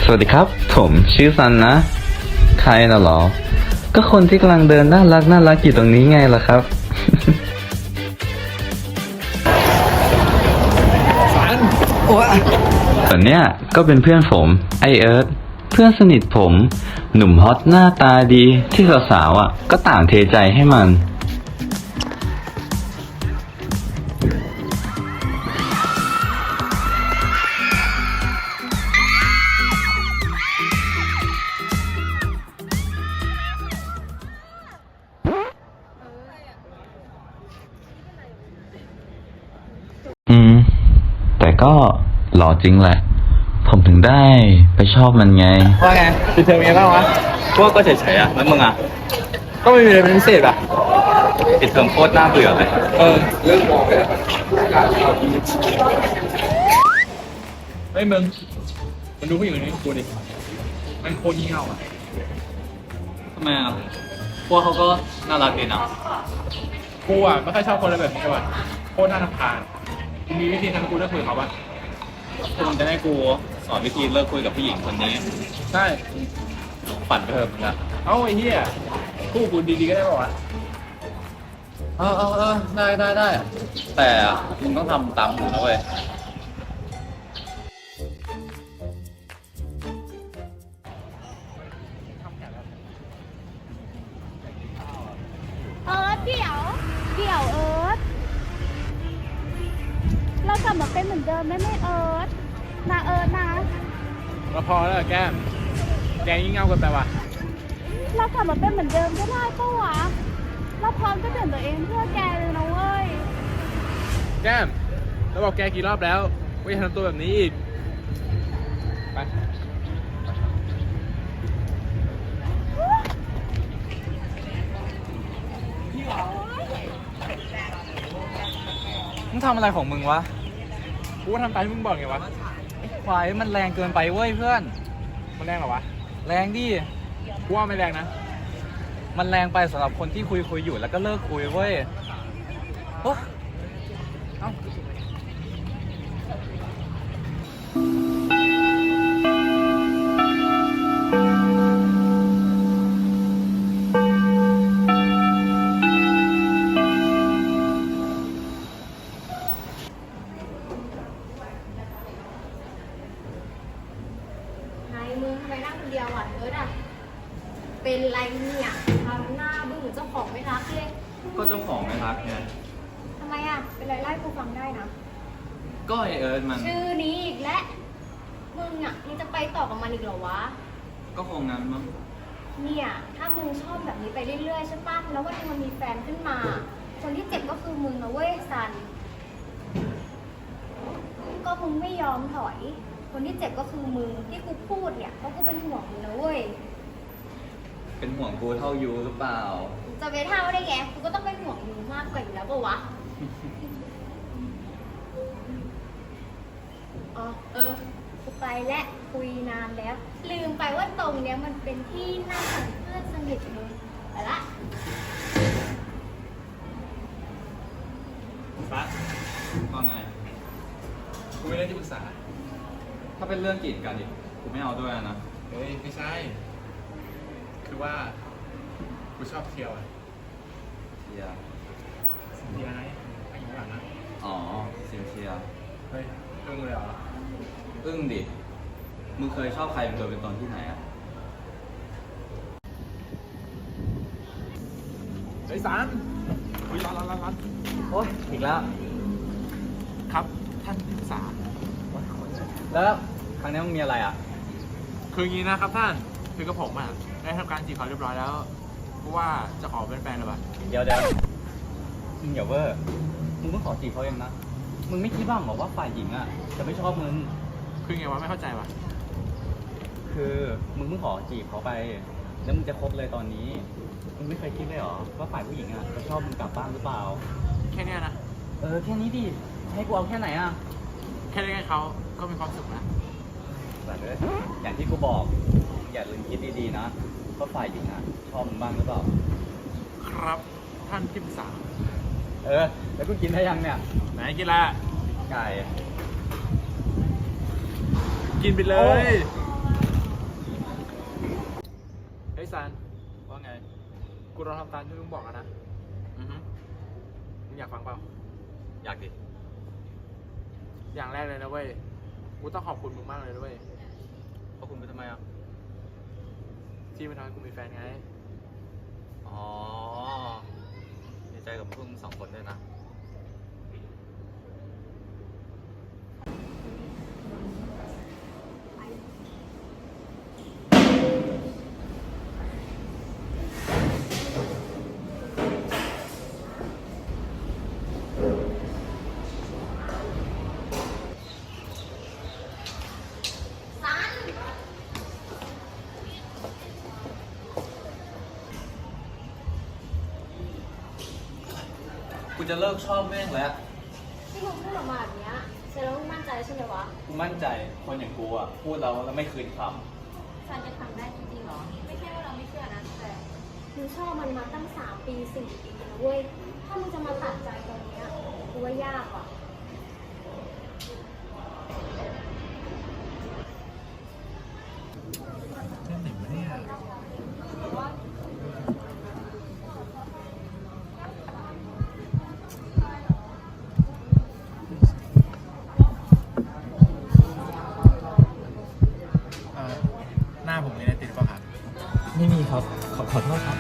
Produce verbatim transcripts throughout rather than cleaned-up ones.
สวัสดีครับผมชื่อซันนะใครน่ะหรอก็คนที่กำลังเดินน่ารักน่ารักอยู่ตรงนี้ไงล่ะครับสันโอ้ยส่วนเนี้ยก็เป็นเพื่อนผมไอเอิร์ธเพื่อนสนิทผมหนุ่มฮอตหน้าตาดีที่สาวๆอ่ะก็ต่างเทใจให้มัน อืม แต่ก็หล่อจริงแหละ ผมถึงได้ไปชอบมันไงว่าไงปิดเทอมยังไงบ้างวะพวกก็เฉยๆอ่ะ แล้วมึงอ่ะก็ไม่มีอะไรเป็นพิเศษอ่ะปิดเทอมโคตรน่าเบื่อเลยเออเรื่องมองเลยเฮ้ยมึงมันดูผู้หญิงคนนี้กูดิมันโคตรยี่เง่าอ่ะทำไมอ่ะ พวกเขาก็น่ารักดีนะกูอ่ะไม่ค่อยชอบคนอะไรแบบนี้ว่ะโคตรน่ารำคาญมีวิธีทำให้กูเลิกคุยกับเขาปะคุณจะให้กูสอนวิธีเลิกคุยกับผู้หญิงคนนี้ใช่ฝันไปเถอะมึงอ่ะเอ้าไอ้เหี้ยคู่กูดีๆก็ได้ป่าวะเออเออเออได้ได้ได้ แต่มึงต้องทำตามกูนะเว้ยเอิร์ธเดี๋ยว เดี๋ยวเอิร์ธเรากลับมาเป็นเหมือนเดิมได้ไหมเอิร์ธนะเอิร์ธนะเราพอแล้วแก้มแกยิ่งเง่าเกันไปว่ะเรากลับมาเป็นเหมือนเดิมก็ได้ปะวะเราพร้อมจะเปลี่ยนตัวเองเพื่อแกเลยนะเว้ยแก้มเราบอกแกกี่รอบแล้วว่าอย่าทำตัวแบบนี้อีกไปมึงทำอะไรของมึงวะกูก็ทำตามที่มึงบอกไงวะไอ้ควายมันแรงเกินไปเว้ยเพื่อนมันแรงเหรอวะแรงดิกูว่าไม่แรงนะมันแรงไปสำหรับคนที่คุยคุยอยู่แล้วก็เลิกคุยเว้ยโอ๊ะเอ้าไงมึงทำไมนั่งคนเดียวอ่ะเอิร์ธอ่ะ เป็นไรเนี่ยทำหน้าบึ้งเหมือนเจ้าของไม่รักเลยก็เจ้าของไม่รักไงทำไมอ่ะ เป็นไรไล่กูฟังได้นะก็ไอเอิร์ธมันชื่อนี้อีกแล้วมึงอ่ะมึงจะไปต่อกับมันอีกเหรอวะก็คงงั้นมั้งเนี่ย ถ้ามึงชอบแบบนี้ไปเรื่อยๆใช่ปะแล้ววันหนึงมันมีแฟนขึ้นมา คนที่เจ็บก็คือมึงนะเว้ยซัน ก็มึงไม่ยอมถอย คนที่เจ็บก็คือมึงที่กูพูดเนี่ยเพราะกูเป็นห่วงมึงนะเว้ยเป็นห่วงกูเท่ายูหรือเปล่าจะไปเท่าได้ไง กูก็ต้องเป็นห่วงมึงมากกว่าอยู่แล้วปะวะ อ๋อ เออ กูไปและคุยนานแล้ว ลืมไปว่าตรงเนี้ยมันเป็นที่นั่งของเพื่อนสนิทมึงไปละฟ้าก็ไงกูไม่ได้ที่ปรึกษาถ้าเป็นเรื่องกีดกันอีกกูไม่เอาด้วยนะเฮ้ย ไม่ใช่ คือว่า กูชอบเที่ยวอ่ะเชียร์เที่ยวไงไอ้หลังนะอ๋อเชียร์เชียร์เฮ้ยตึงเลยเหรออึ้งดิ มึงเคยชอบใครเป็นตัวเป็นตนที่ไหนอ่ะเฮ้ยสารอุ้ยร้อนร้อนร้อนร้อนโอ๊ยอีกแล้วครับ ท่านที่ปรึกษาแล้วครั้งนี้มึงมีอะไรอ่ะคืออย่างนี้นะครับท่าน คือกับผมอ่ะ ได้ทำการจีบเขาเรียบร้อยแล้ว เพราะว่าจะขอเป็นแฟนหรือเปล่าเดี๋ยวเดี๋ยวมึงอย่าเวอร์มึงเพิ่งขอจีบเขาเองนะ มึงไม่คิดบ้างเหรอว่าฝ่ายหญิงอ่ะจะไม่ชอบมึงคือไงวะไม่เข้าใจวะคือมึงเพิ่งขอจีบเขาไป แล้วมึงจะคบเลยตอนนี้ มึงไม่เคยคิดเลยเหรอว่าฝ่ายผู้หญิงอ่ะจะชอบมึงกลับบ้านหรือเปล่าแค่เนี้ยนะเออแค่นี้ดิให้กูเอาแค่ไหนอ่ะแค่ได้ให้เขาก็มีความสุขนะแต่เลยอย่างที่กูบอก อย่าลืมคิดดีๆนะว่าฝ่ายหญิงอ่ะชอบมึงบ้างหรือเปล่าครับ ท่านที่ปรึกษาเออ แล้วกูกินได้ยังเนี่ยไหนกินละไก่กินไปเลโอ้ยต้องทำตามที่มึงบอกแล้วนะอือฮึมึงอยากฟังเปล่าอยากดิอย่างแรกเลยนะเว้ย กูต้องขอบคุณมึงมากเลยนะเว้ยเพราะคุณไปทำไมอ่ะที่มันทำให้กูมีแฟนไงอ๋อดีใจกับพวกมึงสองคนด้วยนะ กูจะเลิกชอบแม่งแล้วที่มึงพูดออกมาแบบเนี้ยแสดงว่ามึงมั่นใจใช่ไหมวะกูมั่นใจคนอย่างกูอ่ะ พูดแล้วแล้วไม่คืนคซันจะทำได้จริงๆเหรอ ไม่ใช่ว่าเราไม่เชื่อนะแต่มึงชอบมันมาตั้งสามปีสี่ปีนะเว้ย ถ้ามึงจะมาตัดใจตอนเนี้ยกูว่ายากว่ะเล่นไหนวะเนี่ย เอ่อ หน้าผมมีอะไรติดป่ะครับไม่มีครับ ขอขอโทษครับ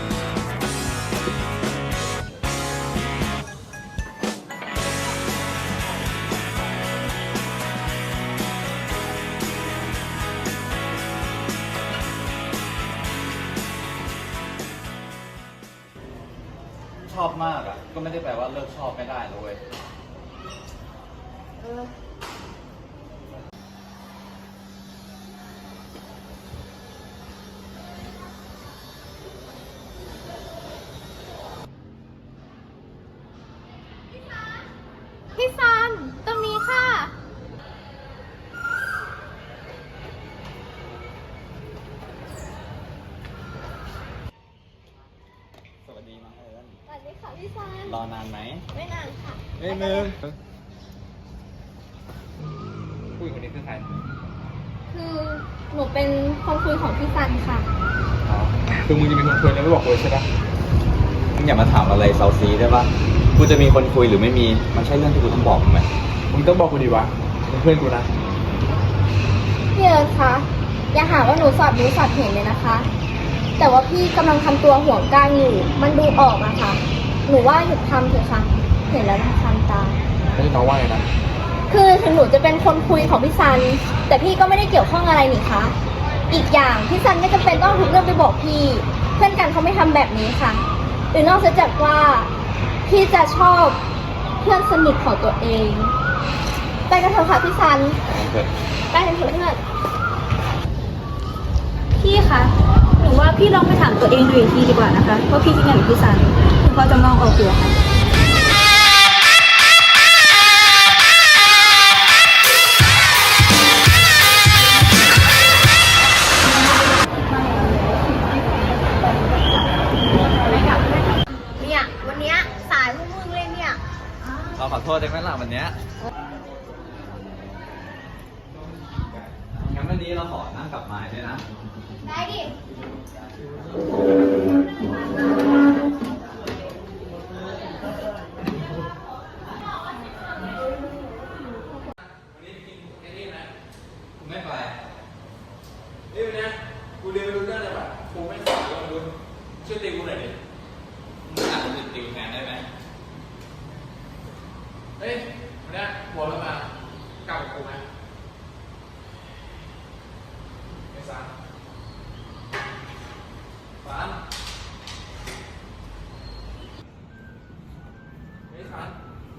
ำชอบมากอ่ะ ก็ไม่ได้แปลว่าเลิกชอบไม่ได้นะเว้ยเออ พี่ซัน ตรงนี้ค่ะสวัสดีน้องเอิญสวัสดีค่ะพี่ซันรอนานไหมไม่นานค่ะเฮ้ยมึงผู้หญิงคนนี้คือใครคือหนูเป็นคนคุยของพี่ซันค่ะอ๋อ คือมึงจะมีคนคุยแล้วไม่บอกกูเลยใช่ปะมึงอย่ามาถามอะไรเซาซีได้ปะกูจะมีคนคุยหรือไม่มี มันใช่เรื่องที่กูต้องบอกมึงไหมมึงต้องบอกกูดีวะมึงเพื่อนกูนะพี่เอิร์ธคะอย่าหาว่าหนูสอดรู้สอดเห็นเลยนะคะ แต่ว่าพี่กำลังทำตัวห่วงก้างอยู่ มันดูออกอะค่ะ หนูว่าหยุดทำเถอะค่ะ เห็นแล้วรำคาญตาไม่ใช่น้องว่าไงนะคือถึงหนูจะเป็นคนคุยของพี่ซัน แต่พี่ก็ไม่ได้เกี่ยวข้องอะไรนี่คะ อีกอย่างพี่ซันไม่จำเป็นต้องทุกเรื่องไปบอกพี่ เพื่อนกันเขาไม่ทำแบบนี้ค่ะ หรือนอกจากว่าพี่จะชอบเพื่อนสนิทของตัวเอง ไปกันเถอะค่ะพี่ซัน ไปกันเถอะเพื่อนพี่คะ หนูว่าพี่ลองไปถามตัวเองดูอีกทีดีกว่านะคะว่าพี่คิดไงกับพี่ซันถึงพอจะมองออกอยู่ค่ะเนี่ยวันเนี้ยสายพวกมึงเลยเนี่ยเราขอโทษได้ไหมล่ะวันเนี้ยงั้นวันนี้เราขอนั่งกลับมาด้วยนะได้ดิไม่ไปนี่วันเนี้ยกูเรียนไม่รู้เรื่องเลยว่ะกูไม่สอนเลยมึงช่วยตีกูหน่อยดิมึงอาจจะติดติวแทนได้ไหมเฮ้ยวันเนี้ยหัวมันมากลับกับกูไหมไม่ซันซันไม่ซัน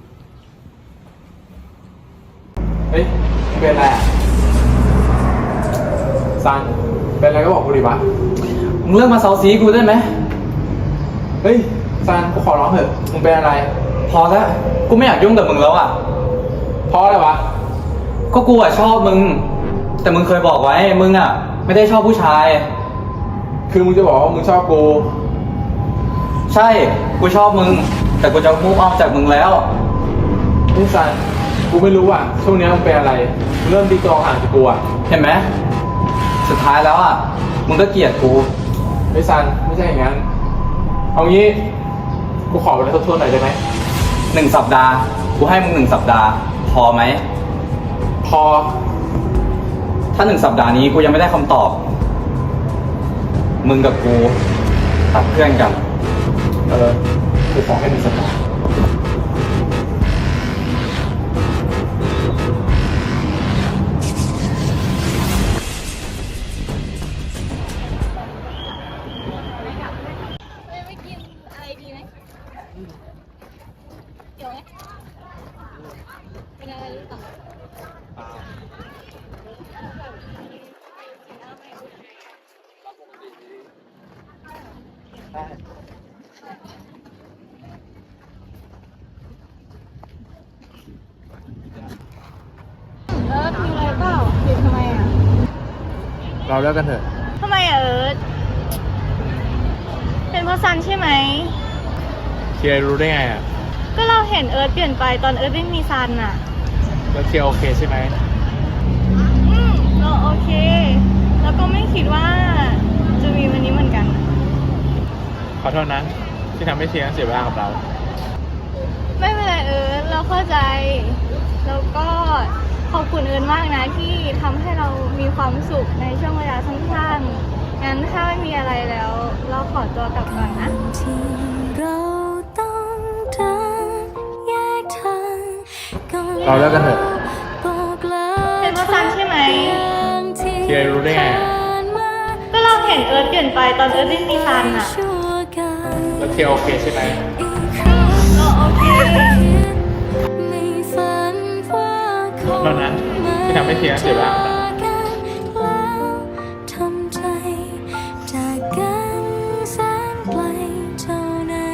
เฮ้ยเป็นอะไรอ่ะซันเป็นอะไรก็บอกกูดิวะมึงเลิกมาเซาซีกูได้ไหมเฮ้ยซันกูขอร้องเถอะมึงเป็นอะไรพอแล้ว กูไม่อยากยุ่งกับมึงแล้วอ่ะเพราะอะไรวะก็กูอ่ะชอบมึง แต่มึงเคยบอกไว้ มึงอ่ะ ไม่ได้ชอบผู้ชายคือมึงจะบอกว่ามึงชอบกูใช่ กูชอบมึง แต่กูจะมุ่งออกจากมึงแล้วนี่ซันกูไม่รู้อ่ะช่วงนี้มึงเป็นอะไรมึงเริ่มตีตัวห่างจากกูอ่ะเห็นไหม สุดท้ายแล้วอ่ะ มึงก็เกลียดกูไม่ซันไม่ใช่อย่างนั้นเอางี้ กูขอเวลาทบทวนหน่อยได้ไหมหนึ่งสัปดาห์ กูให้มึงหนึ่งสัปดาห์ พอไหมพอถ้าหนึ่งสัปดาห์นี้กูยังไม่ได้คำตอบ มึงกับกูตัดเพื่อนกันเออ กูขอให้หนึ่งสัปดาห์ไม่กินอะไรดีไหมเดี๋ยวไหมเป็นอะไรหรือเปล่าเอิร์ธมีอะไรเปล่าหยุดทำไมอ่ะเราเลิกกันเถอะทำไมอ่ะเอิร์ธเป็นเพราะซันใช่ไหมเคียร์รู้ได้ไงอ่ะก็เราเห็นเอิร์ธเปลี่ยนไปตอนเอิร์ธไม่มีซันอ่ะแล้วเคียร์โอเคใช่ไหมอืมเราโอเค แล้วก็ไม่คิดว่าจะมีวันนี้เหมือนกันขอโทษนะ ที่ทำให้เคียร์เสียเวลากับเราไม่เป็นไรเอิร์ธเราเข้าใจ แล้วก็ขอบคุณเอิร์ธมากนะที่ทำให้เรามีความสุขในช่วงเวลาสั้นๆงั้นถ้าไม่มีอะไรแล้ว เราขอตัวกลับก่อนนะที่เราต้องเดินแยกทางก่อนเราเลิกกันเถอะบอกลาเป็นเพราะซันใช่ไหมเคียร์รู้ได้ไงอะก็เราเห็นเอิร์ธเปลี่ยนไปตอนเอิร์ธไม่มีซันอ่ะชั่วกันแล้วเคียร์โอเคใช่ไหมอีกครั้งเราโอเคไม่ฝันว่าคงเรานะที่ทำให้เคียร์เสียเวลากับเราแล้วทำใจจากกันแสนไกลเท่านั้น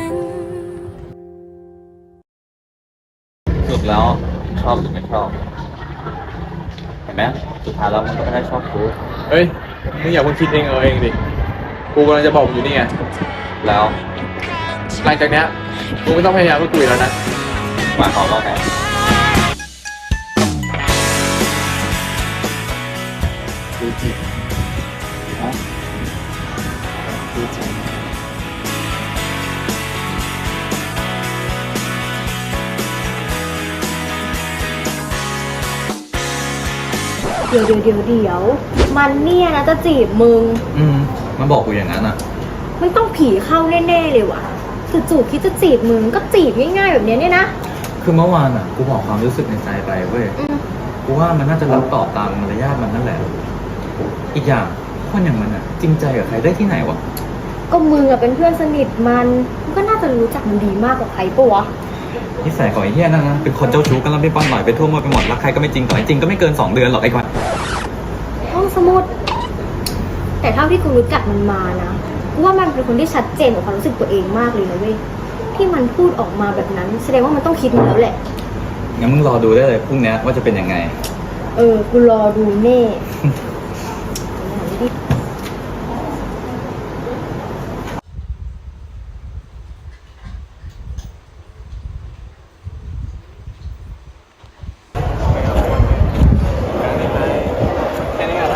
สรุดแล้วชอบหรือไม่ชอบ เห็นไหมสุดท้ายแล้วมันก็ไม่ได้ชอบกูเฮ้ย มึงอย่าเพิ่งคิดเองเออเองดิ กูกำลังจะบอกมึงอยู่นี่ไงแล้วหลังจากเนี้ยมึงไม่ต้องพยายามพูดคุยแล้วนะหมายความว่าไงดูจิตฮะดูจิตเดี๋ยวเดี๋ยวเดี๋ยวเดี๋ยวมันเนี่ยนะจะจีบมึงอืม มันบอกกูอย่างนั้นอ่ะมันต้องผีเข้าแน่ๆเลยว่ะจู่ๆคิดจะจีบมึงก็จีบง่ายๆแบบเนี้ยเนี่ยนะคือเมื่อวานอ่ะ กูบอกความรู้สึกในใจไปเว้ยอืมกูว่ามันน่าจะรับตอบตามมารยาทมันนั่นแหละ อีกอย่างคนอย่างมันอ่ะ จริงใจกับใครได้ที่ไหนวะก็มึงอะเป็นเพื่อนสนิทมันมึงก็น่าจะรู้จักมันดีมากกว่าใครปะวะนิสัยของไอ้เหี้ยนั่นนะเป็นคนเจ้าชู้กันแล้วไม่ป้อนหน่อยไปทั่วหมดไปหมดรักใครก็ไม่จริงต่อให้จริงก็ไม่เกินสองเดือนหรอกไอ้กวาห้องสมุด แต่เท่าที่กูรู้จักมันมานะกูว่ามันเป็นคนที่ชัดเจนกับความรู้สึกตัวเองมากเลยนะเว้ยที่มันพูดออกมาแบบนั้น แสดงว่ามันต้องคิดมาแล้วแหละงั้นมึงรอดูได้เลยพรุ่งนี้ว่าจะเป็นยังไงเออ กูรอดูแน่แค่นี้ก่อนนะ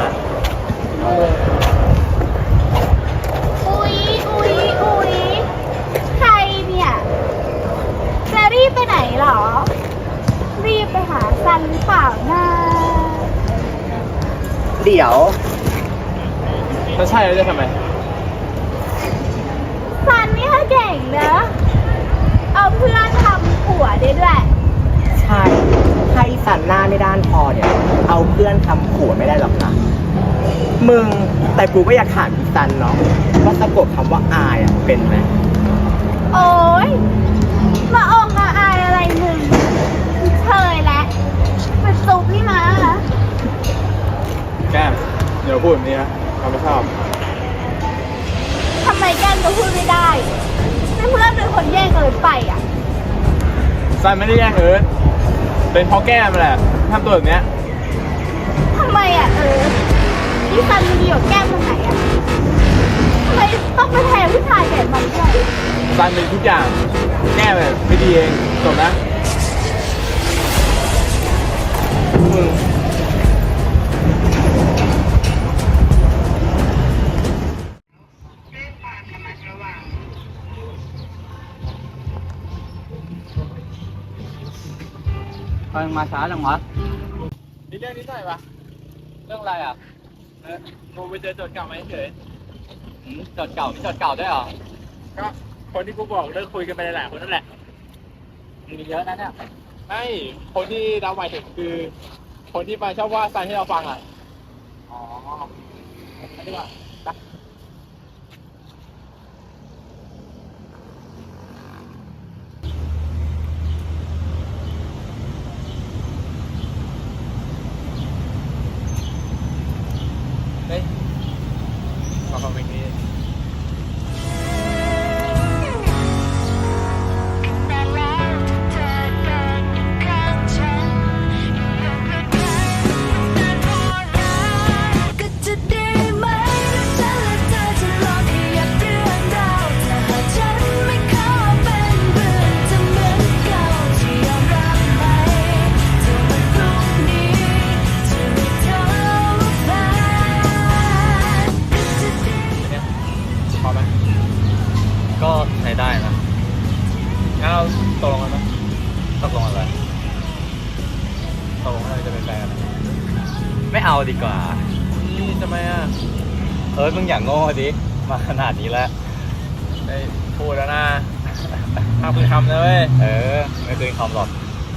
อุ๊ยอุ๊ยอุ๊ยใครเนี่ยจะรีบไปไหนหรอ รีบไปหาซันหรือเปล่านะเดี๋ยวถ้าใช่แล้วจะทำไมซันนี่เขาเก่งเนอะเอาเพื่อนทำผัวได้ด้วยใช่ถ้าอีสันหน้าไม่ด้านพอเนี่ย เอาเพื่อนทำผัวไม่ได้หรอกนะมึง แต่กูก็อยากถามอีสันเนาะว่าสะกดคำว่าอายอ่ะเป็นไหมโอ๊ย มาออกมาอายอะไรมึงเชยแล้วมาซุปนี่มาแก้ม เดี๋ยวพูดแบบนี้นะเราไม่ชอบทำไมแก้มก็พูดไม่ได้ไม่เพื่อนเป็นคนแย่งเอิร์ธไปอ่ะซันไม่ได้แย่งเอิร์ธเป็นเพราะแก้มแหละทำตัวแบบเนี้ยทำไมอ่ะเอิร์ธนี่ซันมันดีกว่าแก้มตรงไหนอ่ะทำไมต้องไปแทนผู้ชายแบบมันด้วยซันเป็นทุกอย่าง แก้มแบบไม่ดีเองจบนะ มึงมาช้าจังวะมีเรื่องนิดหน่อยวะเรื่องอะไรอ่ะเออกูไปเจอโจทย์เก่ามาเฉยหืมจดเก่ามีจดเก่าด้วยเหรอๆก็คนที่กูบอกเลิกคุยกันไปหลายๆคนนั่นแหละมีเยอะนะเนี่ยไม่คนที่เราหมายถึงคือ คนที่มาชอบว่าซันให้เราฟังอ่ะอ๋อไม่ได้ว่าไปเฮ้ยขอฟังเพลงนี้ก็จะดีไหมฉันและเธอจะลองขยับเรื่องราวถ้าหากฉันไม่ขอเป็นเพื่อนจะเหมือนเก่าจะยอมรับไหมถ้าวันพรุ่งนี้จะไม่เท่าแฟนก็จะดีเนี่ยพอไหมก็ใช้ได้นะงั้นเราตกลงกันไหมตกลงอะไรตกลงว่าเราจะเป็นแฟนกันไม่เอาดีกว่านี่ทำไมอ่ะเออมึงอย่างโง่ดิ มาขนาดนี้แล้วไอ้พูดแล้วนะทำคือทำนะเว้ยเออ ไม่เคยคำหรอก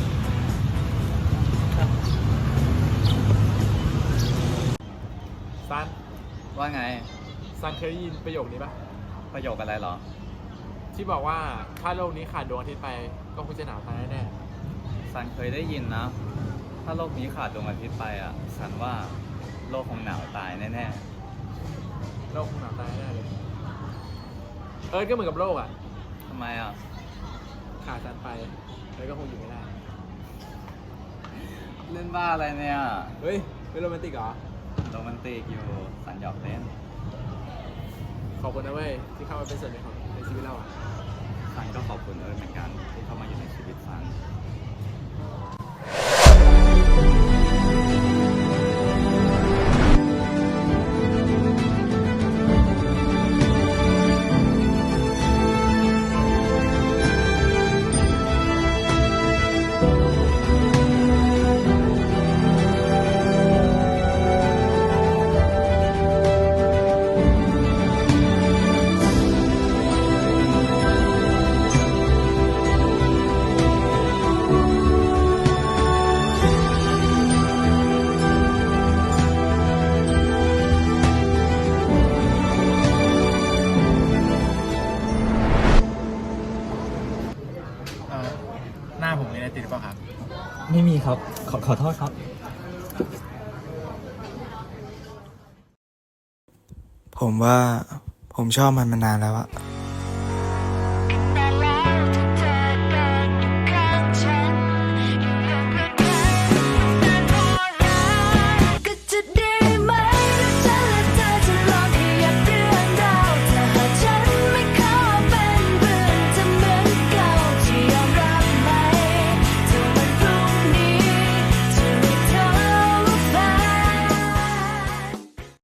ซันว่าไงซันเคยได้ยินประโยคนี้ปะประโยคอะไรเหรอที่บอกว่าถ้าโลกนี้ขาดดวงอาทิตย์ไปก็คงจะหนาวตายแน่สันเคยได้ยินนะ ถ้าโลกนี้ขาดดวงอาทิตย์ไปอ่ะ สันว่าโลกคงหนาวตายแน่ๆโลกคงหนาวตายแน่เลย เออก็เหมือนกับโลกอ่ะๆทำไมอ่ะขาดซันไปแล้วก็คงอยู่ไม่ได้เล่นบ้าอะไรเนี่ยเฮ้ยเป็นโรแมนติกเหรอโรแมนติกอยู่ สันหยอกเล่นขอบคุณนะเว้ยที่เข้ามาเป็นส่วนหนึ่งของในชีวิตเราอ่ะสันก็ขอบคุณเอิร์ธเหมือนกันที่เข้ามาอยู่ในชีวิตสันเออหน้าผมมีอะไรติดหรือเปล่าครับไม่มีครับ ขอขอโทษครับผมว่าผมชอบมันมานานแล้วอะ